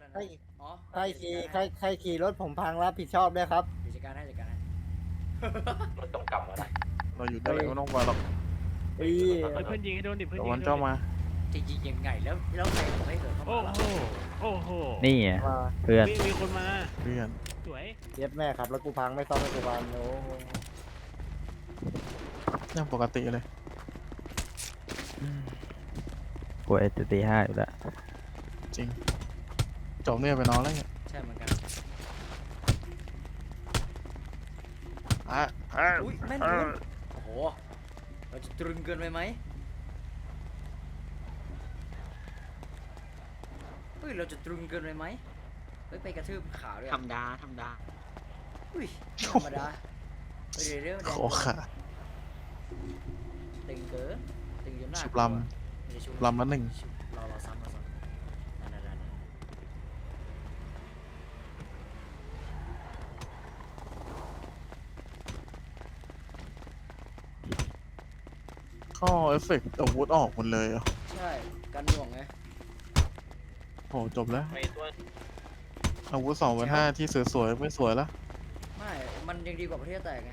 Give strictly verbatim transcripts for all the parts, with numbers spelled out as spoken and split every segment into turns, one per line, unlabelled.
ใคร
อ๋อ
ใครขี่ใครใครขี่รถผมพังรับผิดชอบด้วยครับ
เดี๋ยวจัดการให้จัดการให้
รถตรงกลับมาได้
เราอยู่ได้ไม่ต้องมาหรอก
เฮ้ย
เฮ้ยเพื่อนยิงให้โดนดิเพื่อน
เดี๋ยว
ยิง
วัน
ให้โด
เจ้าน
ดิ
มา
จะยิงยังไงแล้วแล้วใครบอกให้เกิดเข้า
โอ้
มา
โหโอ้โห
นี่ไง
มา
เพื่อน
มีมีคนมา
เพื่อน
สวย
เย็ดแม่ครับแล้วกูพังไม่ซ่อมให้กูพังโอ้
ยังปกติเลย
กลัวเอสตีห้าอยู่แล้ว
จริงจบเนี่ยไปนอนแล้วเนี่ย
ใช่เหมือนกัน
อ่ะอ่ะ
อุ้ยแม่นคุณโอ้โหเราจะตรึงเกินไปไหมเฮ้ยเราจะตรึงเกินไปไหมเฮ้ยไปกระทืบขาด้วย
ธรรมดาธรรมดา
อุ้ยธรรมดาเฮ้ยเดี๋ยวเดี๋ยว
โค
เดี๋ยว
ขา
ตึงเกินตึงจนหน้า
ชุบ
กลัว
ล
ไม่ได้ชุบ
ลำละหนึ่ง
ชุบเราเราซ้ำเราซ้ำนั่นนั่นนั่นนั่น
ข้อเอฟเฟกต์อาวุธออกหมดเลยเหรอ่ะ
ใช่กันหน่วงไง
โหจบแล้ว
ไปตัว
อาวุธสองพันห้าที่สวยๆไม่สวยแล้ว
ไม่มันยังดีกว่าประเทศแตกไง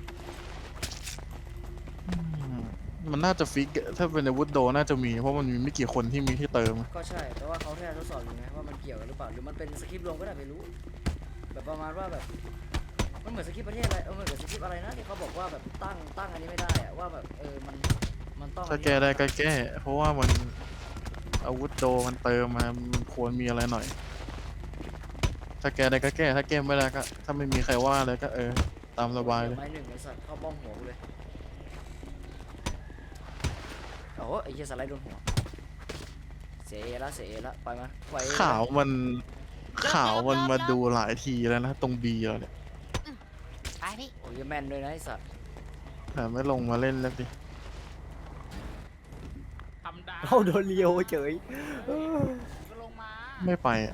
อืมมันน่าจะฟิกอะถ้าเป็นอาวุธโดน่าจะมี เพราะมันมีไม่กี่คนที่มีที่เติม
ก็ใช่แต่ว่าเขาแค่ทดสอบอยู่ไงว่ามันเกี่ยวกันหรือเปล่าหรือมันเป็นสคริปต์รวมก็ได้ไม่รู้ แบบประมาณว่าแบบมันเหมือนสคริปต์ประเทศอะไรเออมันเหมือนสคริปต์อะไรนะที่เขาบอกว่าแบบตั้งตั้งอันนี้ไม่ได้อะว่าแบบเออมันมันต้อง
ถ้าแก้ได้ก็แก้ เพราะว่ามันอาวุธโดมันเติมมามันควรมีอะไรหน่อย ถ้าแก้ได้ก็แก้ ถ้าแก้ไม่ได้ก็ ถ้าไม่มีใครว่าเลยก็เออ ตามสบายเลย
ไม้หนึ่งไอ้สัตว์เข้าบ้องหัวกูเลยโอ้โหไอ้เหี้ยสไลด์โดนหัวเสียเอละเสียเอละไปมาไป
ข่าวมันข่าวมันมาดูหลายทีแล้วนะตรงบีเราเนี่ย
ไปพี่
โอ้ยแม่นด้วยนะไอ้สัตว์
แต่ไม่ลงมาเล่นแล้วดิ
ธรรมดา
เข้าโดนเลียวเฉยเออ
ก็ลงมา
ไม่ไปอ่ะ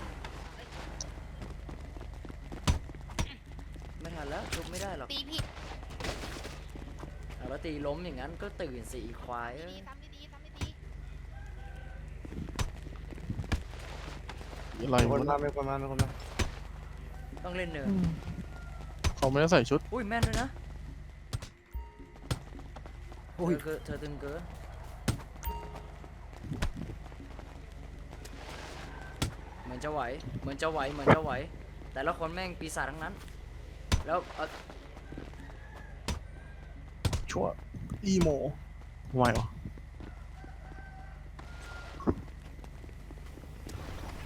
ไม่ทันแล้วชุบไม่ได้หรอก
ตีผิด
เอาแล้วตีล้มอย่างนั้นก็ตื่นสีควายเอ้ย
ดีๆทำดีๆทำดี
อะไร
มีคน
วะ
มามีคนมามีคนมา
ต้องเล่นเนิน
เขาไม่ได้ใส่ชุด
อุ้ยแม่นด้วยนะ
อุ้ย
เธอเธอตึงเกินเหมือนจะไหวเหมือนจะไหวเหมือนจะไหวแต่ละคนแม่งปีศาจทั้งนั้นแล้วเอ่อ
ชัวอีโมไหวเหรอ